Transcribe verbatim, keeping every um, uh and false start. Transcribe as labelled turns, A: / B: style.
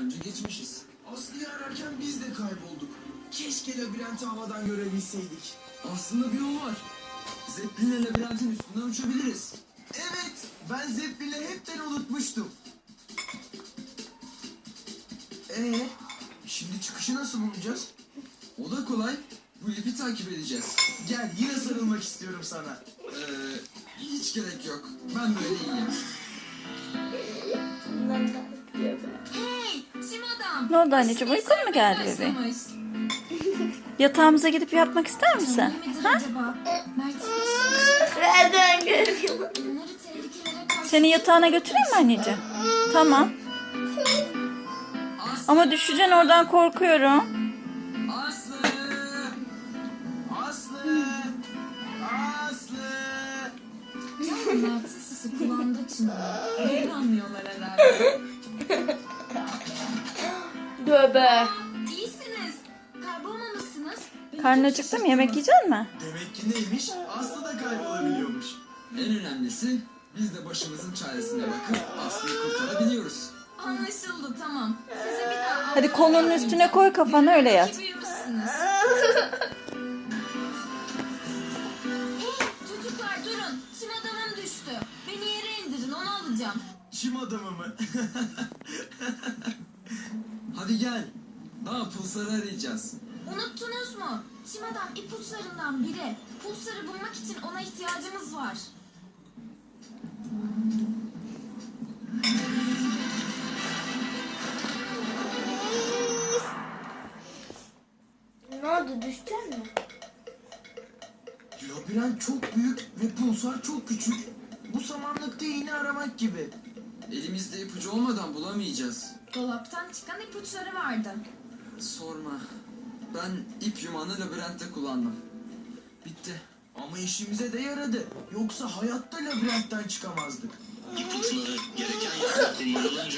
A: önce geçmişiz.
B: Aslı'yı ararken biz de kaybolduk. Keşke labirenti havadan görebilseydik.
A: Aslında bir yol var. Zeppelin'le labirentin üstünden uçabiliriz.
B: Evet, ben Zeppelin'i hepten unutmuştum. Ee, şimdi çıkışı nasıl bulacağız?
A: O da kolay. Bu ipi takip edeceğiz.
B: Gel, yine sarılmak istiyorum sana.
A: Ee, hiç gerek yok. Ben böyle iyiyim.
C: Hey, Sim adam.
D: Ne oldu anneciğim, uykun mu geldi bebeğim? Yatağımıza gidip yatmak ister misin?
C: Midir
D: Ha?
C: acaba? Mert,
E: Nereden görüyorum?
C: bunları tehlikelere karşı...
D: Seni yatağına götüreyim mi anneciğim? Tamam. Ama düşeceksin oradan, korkuyorum.
A: Aslı!
B: Aslı! Aslı!
C: Can Mert'in sesi kulağımda çınlıyor. Öyle anlıyorlar herhalde.
E: Döbe.
C: İyisiniz. Kaybolmamışsınız. Beni
D: Karnın
C: çok
D: acıktı mı? Yemek yiyecek misin?
B: Demek ki neymiş? Aslı da kaybolabiliyormuş.
A: En önemlisi biz de başımızın çaresine bakıp Aslı'yı kurtarabiliyoruz.
C: Anlaşıldı, tamam. Size bir daha...
D: Hadi kolunun üstüne koy kafanı, öyle yat.
C: İyi büyümüşsünüz. Hey, çocuklar durun. Sim adamım düştü. Beni yere indirin, onu alacağım.
B: Çim adamı mı?
A: Hadi gel. Daha pulsarı arayacağız.
C: Unuttunuz mu? Sim adam ipuçlarından biri. Pulsarı bulmak için ona ihtiyacımız var.
E: Ne oldu, düştün mü?
B: Labirent çok büyük ve pulsar çok küçük. Bu samanlıkta iğne aramak gibi.
A: Elimizde ipucu olmadan bulamayacağız.
C: Dolaptan çıkan ipuçları vardı.
A: Sorma. Ben ip yumağını labirentte kullandım.
B: Bitti. Ama işimize de yaradı. Yoksa hayatta labirentten çıkamazdık.
F: İpuçları gereken yerde kullanılınca